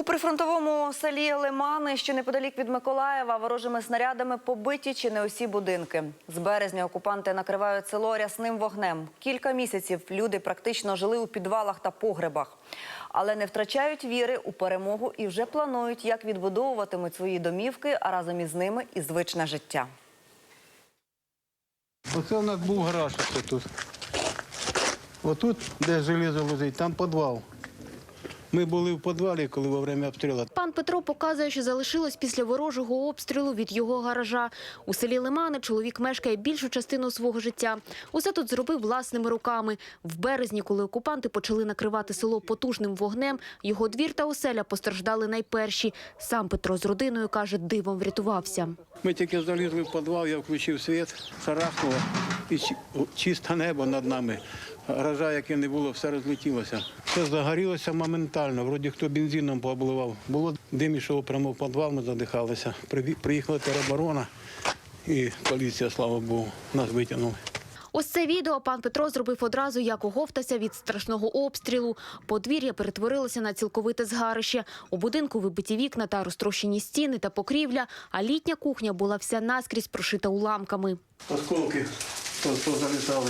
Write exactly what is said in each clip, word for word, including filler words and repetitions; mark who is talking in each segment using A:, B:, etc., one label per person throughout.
A: У прифронтовому селі Лимани, що неподалік від Миколаєва, ворожими снарядами побиті чи не усі будинки. З березня окупанти накривають село рясним вогнем. Кілька місяців люди практично жили у підвалах та погребах. Але не втрачають віри у перемогу і вже планують, як відбудовуватимуть свої домівки, а разом із ними і звичне життя.
B: Оце у нас був гараж ось тут. Отут, де железо лежить, там підвал. Ми були в підвалі, коли во время обстрілу.
C: Пан Петро показує, що залишилось після ворожого обстрілу від його гаража. У селі Лимани чоловік мешкає більшу частину свого життя. Усе тут зробив власними руками. В березні, коли окупанти почали накривати село потужним вогнем, його двір та оселя постраждали найперші. Сам Петро з родиною, каже, дивом врятувався.
B: Ми тільки залізли в підвал, я включив світ, шарахнуло, і чисте небо над нами. Гаража, яке не було, все розлетілося. Все загорілося моментально, вроді хто бензином пообливав. Було дим ішов прямо в підвал, ми задихалися. Приїхала тероборона і поліція, слава Богу, нас витягнули.
C: Ось це відео пан Петро зробив одразу, як оговтався від страшного обстрілу. Подвір'я перетворилося на цілковите згарище. У будинку вибиті вікна та розтрощені стіни та покрівля, а літня кухня була вся наскрізь прошита уламками.
B: Осколки залітали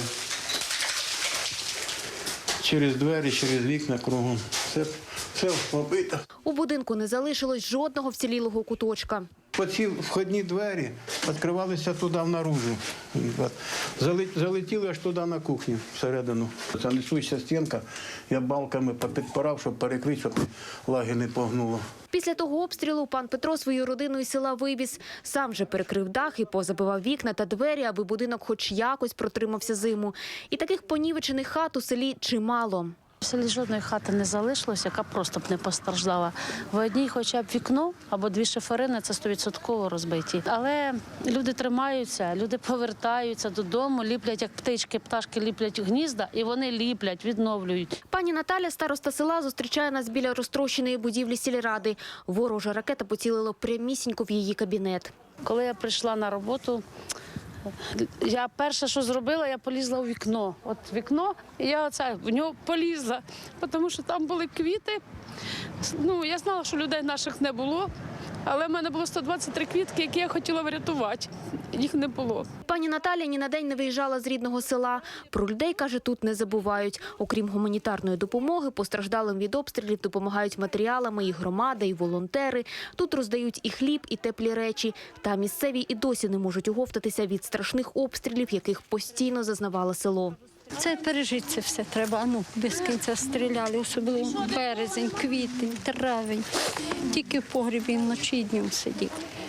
B: через двері, через вікна кругом. Все, все побито.
C: У будинку не залишилось жодного вцілілого куточка.
B: Оці входні двері відкривалися туди внаружу. Залетіли аж туди на кухню всередину. Це несуща стінка, я балками попідпирав, щоб перекрити, щоб лаги не погнуло.
C: Після того обстрілу пан Петро свою родину із села вивіз. Сам же перекрив дах і позабивав вікна та двері, аби будинок хоч якось протримався зиму. І таких понівечених хат у селі чимало.
D: В селі жодної хати не залишилося, яка просто б не постраждала. В одній хоча б вікно або дві шиферини – це стовідсотково розбиті. Але люди тримаються, люди повертаються додому, ліплять, як птички, пташки ліплять гнізда, і вони ліплять, відновлюють.
C: Пані Наталя, староста села, зустрічає нас біля розтрощеної будівлі сільради. Ворожа ракета поцілила прямісінько в її кабінет.
D: Коли я прийшла на роботу, я перше, що зробила, я полізла у вікно. От вікно, і я оце, в нього полізла, тому що там були квіти. Ну, я знала, що людей наших не було, але в мене було сто двадцять три квітки, які я хотіла врятувати. Їх не було.
C: Пані Наталя ні на день не виїжджала з рідного села. Про людей, каже, тут не забувають. Окрім гуманітарної допомоги, постраждалим від обстрілів допомагають матеріалами і громада, і волонтери. Тут роздають і хліб, і теплі речі. Та місцеві і досі не можуть оговтатися від страшних обстрілів, яких постійно зазнавало село.
E: Це пережити це все треба, ну, без кінця стріляли, особливо березень, квітень, травень. Тільки в погребі вночі і днем сидів.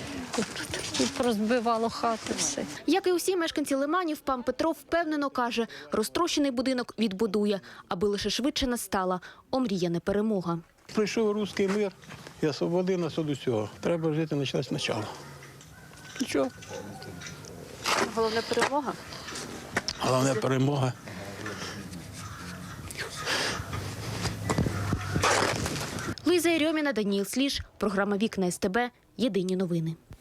E: Тут розбивало хати все.
C: Як і усі мешканці Лиманів, пан Петро впевнено каже, розтрощений будинок відбудує, аби лише швидше настала омріяна перемога.
B: Прийшов руський мир і освободив нас від усього. Треба жити почати спочатку. Нічого.
C: Головна перемога?
B: Головна перемога.
C: Луїза Єрьоміна, Даніїл Сліж, програма «Вікна СТБ», єдині новини.